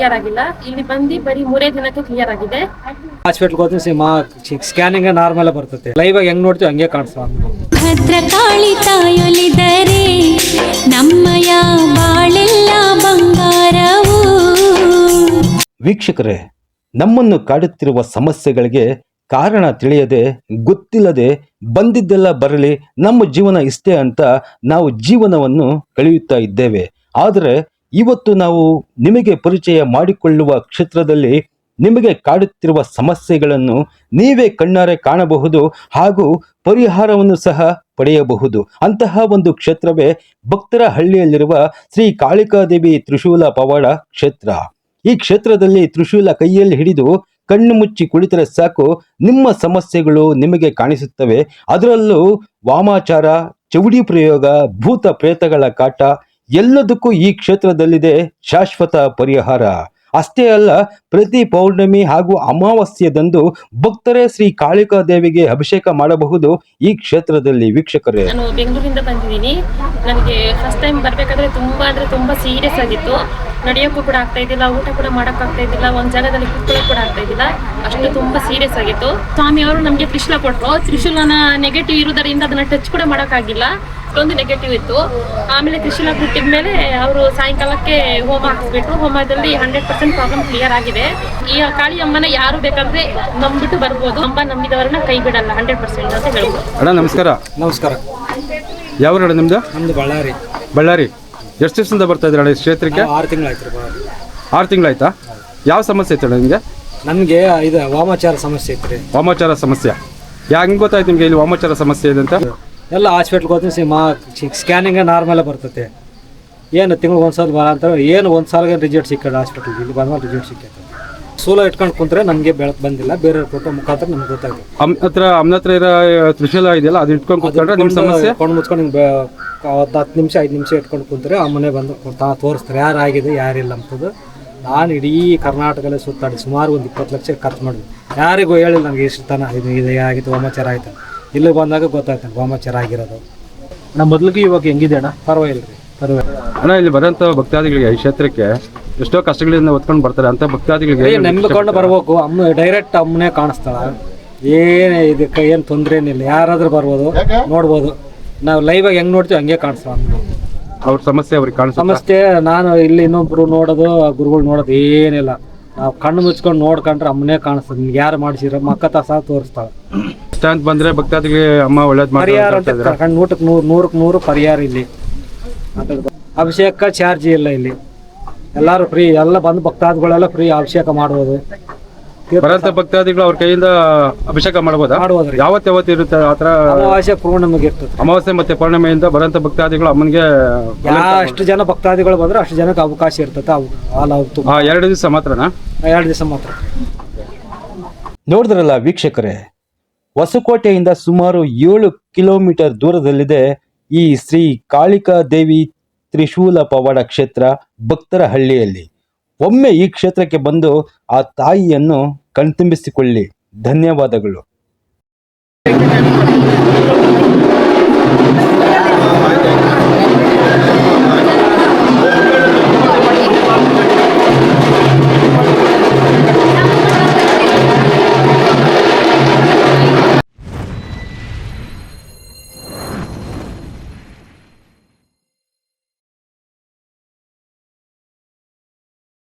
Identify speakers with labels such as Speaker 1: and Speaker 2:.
Speaker 1: Clear ಆಗಿಲ್ಲ. ಇಲ್ಲಿ ಬಂದು ಬರೀ 3 ದಿನಕ್ಕೆ ಕ್ಲಿಯರ್ ಆಗಿದೆ.
Speaker 2: ಹಾಸ್ಪಿಟಲ್ ಹೋದ್ರೆ ಸ್ಕ್ಯಾನಿಂಗ್ ನಾರ್ಮಲ್ ಬರ್ತದೆ. ಲೈವ್ ಆಗಿ ಹೆಂಗ್ ನೋಡ್ತೀವಿ ಹಂಗೆ ಕಾಣಿಸ್ತಾ.
Speaker 3: ಭದ್ರಕಾಳಿ ತಾಯೊಲಿದರೆ ನಮ್ಮಯ ಬಾಳೆಲ್ಲ ಬಂಗಾರವು.
Speaker 4: ವೀಕ್ಷಕರೇ, ನಮ್ಮನ್ನು ಕಾಡುತ್ತಿರುವ ಸಮಸ್ಯೆಗಳಿಗೆ ಕಾರಣ ತಿಳಿಯದೆ ಗೊತ್ತಿಲ್ಲದೆ ಬಂದಿದ್ದೆಲ್ಲ ಬರಲಿ, ನಮ್ಮ ಜೀವನ ಇಷ್ಟೇ ಅಂತ ನಾವು ಜೀವನವನ್ನು ಕಳೆಯುತ್ತಾ ಇದ್ದೇವೆ. ಆದರೆ ಇವತ್ತು ನಾವು ನಿಮಗೆ ಪರಿಚಯ ಮಾಡಿಕೊಳ್ಳುವ ಕ್ಷೇತ್ರದಲ್ಲಿ ನಿಮಗೆ ಕಾಡುತ್ತಿರುವ ಸಮಸ್ಯೆಗಳನ್ನು ನೀವೇ ಕಣ್ಣಾರೆ ಕಾಣಬಹುದು ಹಾಗೂ ಪರಿಹಾರವನ್ನು ಸಹ ಪಡೆಯಬಹುದು. ಅಂತಹ ಒಂದು ಕ್ಷೇತ್ರವೇ ಭಕ್ತರ ಹಳ್ಳಿಯಲ್ಲಿರುವ ಶ್ರೀ ಕಾಳಿಕಾದೇವಿ ತ್ರಿಶೂಲ ಪವಾಡ ಕ್ಷೇತ್ರ. ಈ ಕ್ಷೇತ್ರದಲ್ಲಿ ತ್ರಿಶೂಲ ಕೈಯಲ್ಲಿ ಹಿಡಿದು ಕಣ್ಣು ಮುಚ್ಚಿ ಕುಳಿತರೆ ಸಾಕು, ನಿಮ್ಮ ಸಮಸ್ಯೆಗಳು ನಿಮಗೆ ಕಾಣಿಸುತ್ತವೆ. ಅದರಲ್ಲೂ ವಾಮಾಚಾರ, ಚೌಡಿ ಪ್ರಯೋಗ, ಭೂತ ಪ್ರೇತಗಳ ಕಾಟ ಎಲ್ಲದಕ್ಕೂ ಈ ಕ್ಷೇತ್ರದಲ್ಲಿದೆ ಶಾಶ್ವತ ಪರಿಹಾರ. ಅಷ್ಟೇ ಅಲ್ಲ, ಪ್ರತಿ ಪೌರ್ಣಮಿ ಹಾಗೂ ಅಮಾವಾಸ್ಯೆದಂದು ಭಕ್ತರೇ ಶ್ರೀ ಕಾಳಿಕಾದೇವಿಗೆ ಅಭಿಷೇಕ ಮಾಡಬಹುದು ಈ ಕ್ಷೇತ್ರದಲ್ಲಿ. ವೀಕ್ಷಕರೇ,
Speaker 1: ನಾನು ಬೆಂಗಳೂರಿಂದ ಬಂದಿದ್ದೀನಿ. ನನಗೆ ಫಸ್ಟ್ ಟೈಮ್ ಬರಬೇಕಾದ್ರೆ ತುಂಬಾ ಸೀರಿಯಸ್ ಆಗಿತ್ತು. ನಡೆಯೋಕ್ಕೂ ಕೂಡ ಆಗ್ತಾ ಇದ್ದಿಲ್ಲ, ಊಟ ಕೂಡ ಮಾಡೋಕ್ಕಾಗ್ತಾ ಇದ್ದಿಲ್ಲ, ಒಂದು ಜಾಗದಲ್ಲಿ ಕೂತ್ಕೊಳ್ಳೋಕೆ ಕೂಡ ಆಗ್ತಾ ಇದ್ದಿಲ್ಲ. ಅಷ್ಟು ತುಂಬಾ ಸೀರಿಯಸ್ ಆಗಿತ್ತು. ಸ್ವಾಮಿ ಅವರು ನಮಗೆ ತ್ರಿಶೂಲ ಕೊಟ್ಟರು. ತ್ರಿಶೂಲನ ನೆಗೆಟಿವ್ ಇರುವುದರಿಂದ ಅದನ್ನ ಟಚ್ ಕೂಡ ಮಾಡೋಕ್ಕಾಗಿಲ್ಲ, ಅಷ್ಟೊಂದು ನೆಗೆಟಿವ್ ಇತ್ತು. ಆಮೇಲೆ ತ್ರಿಶೂಲ ಬಿಟ್ಟಿದ ಮೇಲೆ ಅವರು ಸಾಯಂಕಾಲಕ್ಕೆ ಹೋಮ ಹಾಕಿಸ್ಬಿಟ್ರು. ಹೋಮದಲ್ಲಿ 100% ಪ್ರಾಬ್ಲಮ್ ಕ್ಲಿಯರ್ ಆಗಿದೆ. ಈ ಕಾಳಿ ಅಮ್ಮನ ಯಾರು ಬೇಕಾದ್ರೆ ನಂಬಿಟ್ಟು ಬರ್ಬೋದು. ಅಮ್ಮ ನಂಬಿದವರನ್ನ ಕೈ ಬಿಡಲ್ಲ 100% ಅಂತ ಹೇಳ್ಬೋದು.
Speaker 5: ಅಣ್ಣ ನಮಸ್ಕಾರ.
Speaker 2: ನಮಸ್ಕಾರ.
Speaker 5: ಯಾವ ಊರಣ್ಣ ನಿಮ್ದು?
Speaker 2: ನಮ್ದು ಬಳ್ಳಾರಿ.
Speaker 5: ಬಳ್ಳಾರಿ. ಎಷ್ಟು ದಿವಸದಿಂದ ಬರ್ತಾ ಇದ್ದೀರ ಅಣ್ಣ ಈ ಕ್ಷೇತ್ರಕ್ಕೆ?
Speaker 2: 6 ತಿಂಗಳಾಯ್ತು.
Speaker 5: 6 ತಿಂಗಳಾಯ್ತಾ? ಯಾವ ಸಮಸ್ಯೆ ಇತ್ತು ನಿಮಗೆ?
Speaker 2: ನಮಗೆ ಇದು ವಾಮಾಚಾರ ಸಮಸ್ಯೆ ಇತ್ತು ರೀ.
Speaker 5: ವಾಮಾಚಾರ ಸಮಸ್ಯೆ ಹೆಂಗೆ ಗೊತ್ತಾಯ್ತು ನಿಮಗೆ ಇಲ್ಲಿ ವಾಮಾಚಾರ ಸಮಸ್ಯೆ ಇದೆ ಅಂತ?
Speaker 2: ಎಲ್ಲ ಹಾಸ್ಪಿಟ್ಲ್ಗೆ ಹೋದ್ರೆ ಸ್ಕ್ಯಾನಿಂಗ್ ನಾರ್ಮಲ್ ಬರ್ತದೆ. ಏನು ತಿಂಗಳು ಒಂದ್ಸಲ ಬರ ಅಂತ ಏನು ಒಂದು ಸಾಲಿಗೆ ರಿಸಲ್ಟ್ ಸಿಕ್ಕಲ್ಲ ಹಾಸ್ಪಿಟ್ಲಿಗೆ. ಇಲ್ಲಿ ಬಂದ್ಮೇಲೆ ರಿಸಲ್ಟ್ ಸಿಕ್ಕೈತೆ. ಸೂಲ ಇಟ್ಕೊಂಡು ಕುಂತ್ರೆ ನಮಗೆ ಬೆಳಕು ಬಂದಿಲ್ಲ, ಬೇರೆ ಫೋಟೋ ಮುಖಾಂತರ ನಮ್ಗೆ ಗೊತ್ತಾಗುತ್ತೆ.
Speaker 5: ಅಮ್ಮನ ಹತ್ರ ಇರೋ ತ್ರಿಶೂಲ ಇದೆಯಲ್ಲ, ಅದು ಇಟ್ಕೊಂಡು ಕೂತ್ಕೊಂಡ್ರೆ ನಿಮ್ಮ ಸಮಸ್ಯೆ
Speaker 2: ಕೊಂಡು ಮುಚ್ಕೊಂಡು ಹಿಂಗೆ 10 ನಿಮಿಷ 5 ನಿಮಿಷ ಇಟ್ಕೊಂಡು ಕುಂತ್ರೆ ಅಮ್ಮನೆ ಬಂದು ತೋರಿಸ್ತಾರೆ ಯಾರಾಗಿದೆ ಯಾರಿಲ್ಲ ಅಂತದ್ದು. ನಾನು ಇಡೀ ಕರ್ನಾಟಕದಲ್ಲೇ ಸುತ್ತಾಡಿ ಸುಮಾರು ಒಂದು 20 ಲಕ್ಷ ಖರ್ಚು ಮಾಡಿದ್ವಿ. ಯಾರಿಗೂ ಹೇಳಿಲ್ಲ ನನಗೆ ಇಷ್ಟು ತನ ಇದು ಆಗಿತ್ತು, ವಾಮಾಚಾರ ಆಯಿತು. ಇಲ್ಲಿ ಬಂದಾಗ ಗೊತ್ತಾಯ್ತು ವಾಮಾಚಾರ ಆಗಿರೋದು.
Speaker 6: ನಮ್ಮ ಮೊದಲಿಗೆ ಇವಾಗ ಹೆಂಗಿದೆ ಅಣ್ಣ?
Speaker 2: ಪರವಾಗಿಲ್ಲ ರೀ, ಪರವಾಗಿಲ್ಲ
Speaker 5: ಅಣ್ಣ. ಇಲ್ಲಿ ಬರೋಂಥ ಭಕ್ತಾದಿಗಳಿಗೆ ಈ ಕ್ಷೇತ್ರಕ್ಕೆ ಎಷ್ಟೋ ಕಷ್ಟಗಳಿಂದ ಹೊತ್ಕೊಂಡು ಬರ್ತಾರೆ ಅಂತ ಭಕ್ತಾದಿಗಳಿಗೆ
Speaker 2: ನಂಬಿಕೊಂಡು ಬರ್ಬೇಕು. ಅಮ್ಮ ಡೈರೆಕ್ಟ್ ಅಮ್ಮನೇ ಕಾಣಿಸ್ತಾಳ. ಏನು ಇದಕ್ಕೆ ಏನು ತೊಂದರೆ ಏನಿಲ್ಲ, ಯಾರಾದ್ರೂ ಬರ್ಬೋದು, ನೋಡ್ಬೋದು. ನಾವು ಲೈವ್ ಆಗಿ ಹೆಂಗ್ ನೋಡ್ತೀವಿ ಹಂಗೆ ಕಾಣಿಸ್ತಾವ
Speaker 5: ಅವ್ರ ಸಮಸ್ಯೆ ಅವ್ರಿಗೆ ಕಾಣಿಸ್ತಾ.
Speaker 2: ಸಮಸ್ಯೆ ನಾನು ಇಲ್ಲಿ ಇನ್ನೊಬ್ರು ನೋಡೋದು, ಗುರುಗಳು ನೋಡೋದು ಏನಿಲ್ಲ. ನಾವು ಕಣ್ಣು ಮುಚ್ಕೊಂಡು ನೋಡ್ಕೊಂಡ್ರೆ ಅಮ್ಮನೇ ಕಾಣಿಸ್ತದೆ. ನಿಮ್ಗೆ ಯಾರು ಮಾಡಿಸಿರೋ ಮಕ್ಕ ಸಹ ತೋರಿಸ್ತಾಳೆ.
Speaker 5: ಅಂತ ಬಂದ್ರೆ ಭಕ್ತಾದಿಗೆ ಅಮ್ಮ ಒಳ್ಳೇದು
Speaker 2: ಪರಿಹಾರ ಅಂತ ನೂಟಕ್ಕೆ 100 ಪರಿಹಾರ ಇಲ್ಲಿ. ಅಭಿಷೇಕ ಚಾರ್ಜ್ ಇಲ್ಲ ಇಲ್ಲಿ, ಎಲ್ಲರೂ ಫ್ರೀ. ಎಲ್ಲ ಬಂದು ಭಕ್ತಾದಿಗಳೆಲ್ಲ ಫ್ರೀ ಅಭಿಷೇಕ ಮಾಡ್ಬೋದು.
Speaker 5: ಬರಂತ ಭಕ್ತಾದಿಗಳು ಅವ್ರ ಕೈಯಿಂದ ಅಭಿಷೇಕ ಮಾಡ್ಬೋದಾ?
Speaker 2: ಮಾಡ್ಬೋದ್ರಿ.
Speaker 5: ಯಾವತ್ತು ಇರುತ್ತೆ ಆತರ?
Speaker 2: ಅಮಾವಾಸ್ಯೆ ಪೂರ್ಣಿಮೆಗೆ ಇರ್ತದೆ.
Speaker 5: ಅಮಾವಾಸ್ಯೆ ಮತ್ತೆ ಪೌರ್ಣಿಮೆಯಿಂದ ಬರಂತ ಭಕ್ತಾದಿಗಳು ಅಮ್ಮನಿಗೆ
Speaker 2: ಎಷ್ಟು ಜನ ಭಕ್ತಾದಿಗಳು ಬಂದ್ರೆ ಅಷ್ಟು ಜನಕ್ಕೆ ಅವಕಾಶ ಇರ್ತದೆ.
Speaker 5: 2 ದಿವಸ ಮಾತ್ರನಾ?
Speaker 2: 2 ದಿವಸ ಮಾತ್ರ.
Speaker 4: ನೋಡಿದ್ರಲ್ಲ ವೀಕ್ಷಕರೇ, ಹೊಸಕೋಟೆಯಿಂದ ಸುಮಾರು 7 ಕಿಲೋಮೀಟರ್ ದೂರದಲ್ಲಿದೆ ಈ ಶ್ರೀ ಕಾಳಿಕಾದೇವಿ ತ್ರಿಶೂಲ ಪವಾಡ ಕ್ಷೇತ್ರ ಭಕ್ತರ ಹಳ್ಳಿಯಲ್ಲಿ. ಒಮ್ಮೆ ಈ ಕ್ಷೇತ್ರಕ್ಕೆ ಬಂದು ಆ ತಾಯಿಯನ್ನು ಕಣ್ತುಂಬಿಸಿಕೊಳ್ಳಿ. ಧನ್ಯವಾದಗಳು.